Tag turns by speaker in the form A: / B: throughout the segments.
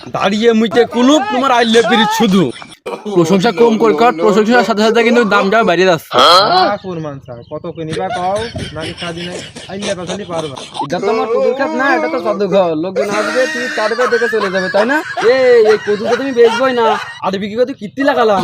A: দাঁড়িয়ে মুইতে কুলুপ তোমার আইলে পিরিত শুধু প্রশংসা কম কর প্রশংসার সাথে সাথে কিন্তু দামটা বাইরে যাচ্ছে।
B: কত কিনিবা কও নাকি সাদিনে আইলে পাছালি পারবা।
A: এটা তো আমার কদুর খাত না, এটা তো জাদুঘর। লোকজন আসবে, তুই কাটবে, দেখে চলে যাবে, তাই না? এই কদুটা তুমি বেচবই না, আর বিক্রি করতে কীর্তি লাগালাম।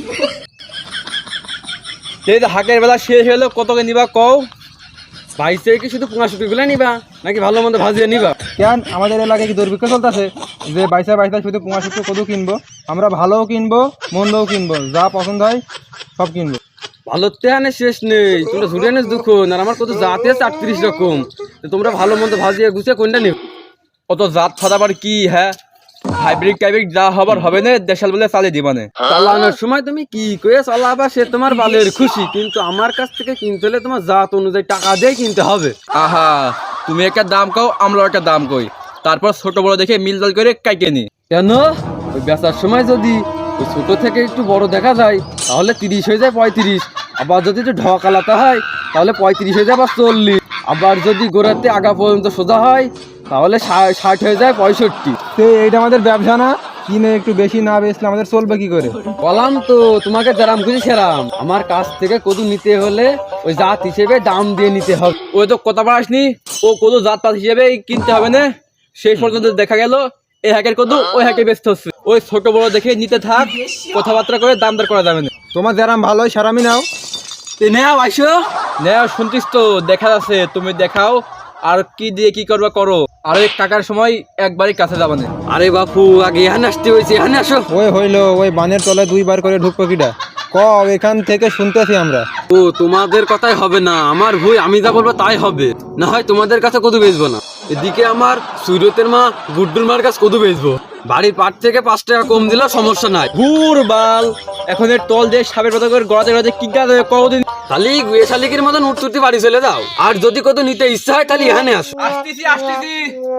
A: এই যে হাকের বেলা শেষ হলো, কত নিবা কও? ভাইসে কি শুধু পোঙা শুকি গুলো নিবা নাকি ভালো মন্দ ভাজিয়ে নিবা?
B: কেন আমাদের এলাকায় কি দুর্ভিক্ষ চলতেছে যে বাইসা শুধু পোঙা শুক্তো কদু কিনবো? আমরা ভালোও কিনবো মন্দও কিনবো, যা পছন্দ হয় সব কিনবো।
A: ভালো তেহানে শেষ নেই, তোমরা ঝুড়ে নেস দুঃখ না। আমার কত জাত আছে 38 রকম, তোমরা ভালো মন্দ ভাজিয়ে গুছিয়ে কোনটা নিব? কত জাত ফাদাবার কি? হ্যাঁ, হাইব্রিড টাইব্রিড যা হবার হবে না, দেশাল বলে চালিয়ে দিবা না। চালানোর সময় তুমি কি করে চালাবা সে তোমার বালের খুশি, কিন্তু আমার কাছ থেকে কিনতে হলে তোমার জাত অনুযায়ী টাকা দিয়ে কিনতে হবে। আহা, তুমি একটা দাম কও, আমরা একটা দাম কই, তারপর ছোট বড় দেখে মিলদল করে কাইকে নি। কেন? ওই বেচার সময় যদি ওই ছোট থেকে একটু বড় দেখা যায় তাহলে 30 হয়ে যায় 35, আবার যদি একটু ঢকালাতে হয় তাহলে 35 হয়ে যায় বা 40, আবার যদি গোড়াতে আগা পর্যন্ত সোজা হয় তাহলে 60 হয়ে যায় 65।
B: এইটা আমাদের ব্যবসা না? কিনে একটু বেশি না বেচলে আমাদের চলবে কি করে?
A: বললাম তো তোমাকে যারাম খুঁজি সেরাম। আমার কাছ থেকে কদু নিতে হলে ওই জাত হিসেবে দাম দিয়ে নিতে হবে। ওই তো কথা আসনি, ও কদু জাত পাত হিসেবে কিনতে হবে না। সেই পর্যন্ত দেখা গেল এই হ্যাকের কদু ওই হ্যাকে বেচতে হচ্ছে। ওই ছোট বড় দেখে নিতে থাক, কথাবার্তা করে দাম দর করা যাবে না।
B: তোমার যারাম ভালোই সারামি নাও।
A: নেও আইসো, নেও, শুনতিস তো, দেখা যাচ্ছে, তুমি দেখাও আর কি দিয়ে কি করবা করো। আর ওই টাকার সময় একবারই কাছে যাবে না। আরে বাপু, আগে এখানে আসতে হয়েছে, এখানে আসো।
B: ওই হইলো, ওই বানের তলায় 2 বার করে ঢুকবো কিটা? এখান থেকে শুনতেছি আমরা।
A: ও, তোমাদের কথাই হবে না, আমার ভুল, আমি যা বলবো তাই হবে। না হয় তোমাদের কাছে কদু বেচবো না, এদিকে আমার সুরতের মা গুড্ডুর মার কাছে কদু বেচবো। বাড়ির পাট থেকে 5 টাকা কম দিলেও সমস্যা নাই। ঘুর বাল, এখন এর তল দিয়ে সাবের পাতা করে গড়াতে গড়াতে কি কাজ হবে কদিন? খালি গুয়ে শালিকের মতন উঠতে বাড়ি চলে যাও। আর যদি কদু নিতে ইচ্ছা হয় তাহলে এখানে আসো। আসতেছি।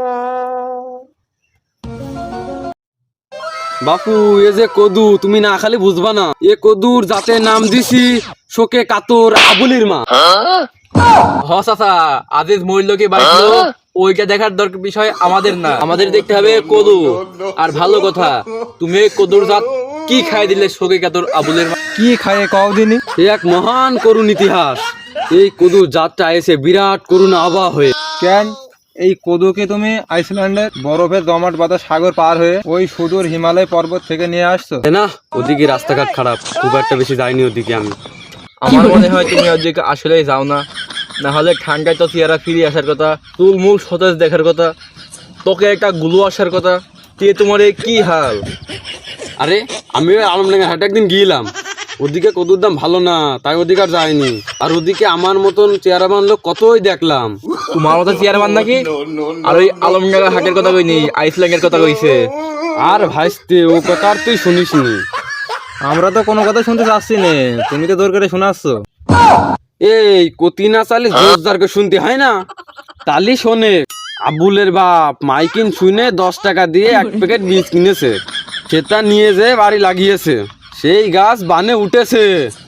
A: বাপু, এ যে কদু তুমি না খালি বুঝবা না, এ কদুর জাতের নাম দিছি শোকে কাতর আবুলির মা। চাচা, আজিজ মহিলাকে বাড়িল, ওইটা দেখার দরকার বিষয় আমাদের না, আমাদের দেখতে হবে কদু। আর ভালো কথা, তুমি কদুর জাত কি খাই দিলে শোকে কাতর আবুলের মা?
B: কি খায় কদিনই?
A: এক মহান করুণ ইতিহাস। এই কদুর জাতটা এসে বিরাট করুণ আবহাওয়া হয়ে।
B: কেন এই কদুকে তুমি আইসল্যান্ডের বরফের জমাট বাঁধা সাগর পার হয়ে ওই সুদূর হিমালয় পর্বত থেকে নিয়ে আসছো?
A: না, ওদিকে রাস্তাঘাট খারাপ, খুব একটা বেশি যাইনি ওদিকে আমি। আমার মনে হয় তুমি ওদিকে আসলেই যাও না, না হলে ঠান্ডায় তো চেহারা ফিরে আসার কথা, তুলমুল সতেজ দেখার কথা, তোকে একটা গুলো আসার কথা। তে তোমার কি হাল? আরে আমি আলমডাঙ্গা হাটে একদিন গিয়েলাম, ওদিকে কদুর দাম ভালো না, তাই ওদিকে আর যায়নি। আর ওদিকে আমার মতন চেয়ারম্যান লোক কতই দেখলাম। তোমার মতো চেয়ারম্যান নাকি? আর ওই আলমডাঙ্গা হাটের কথা কইনি, আইসল্যান্ডের কথা কইছে। আর ভাইস্তে, ও কথা আর তুই শুনিস নি।
B: আমরা তো কোনো কথা শুনতে চাচ্ছি না, তুমি তো জোর করে শোনাচ্ছ।
A: এই কতি না চালি জোরদারকে শুনতে হয় না? তালি শোনে, আবুলের বাপ মাইকিন শুনে 10 টাকা দিয়ে 1 প্যাকেট বীজ কিনেছে, সেটা নিয়ে যেয়ে বাড়ি লাগিয়েছে, সেই গাছ বানে উঠেছে।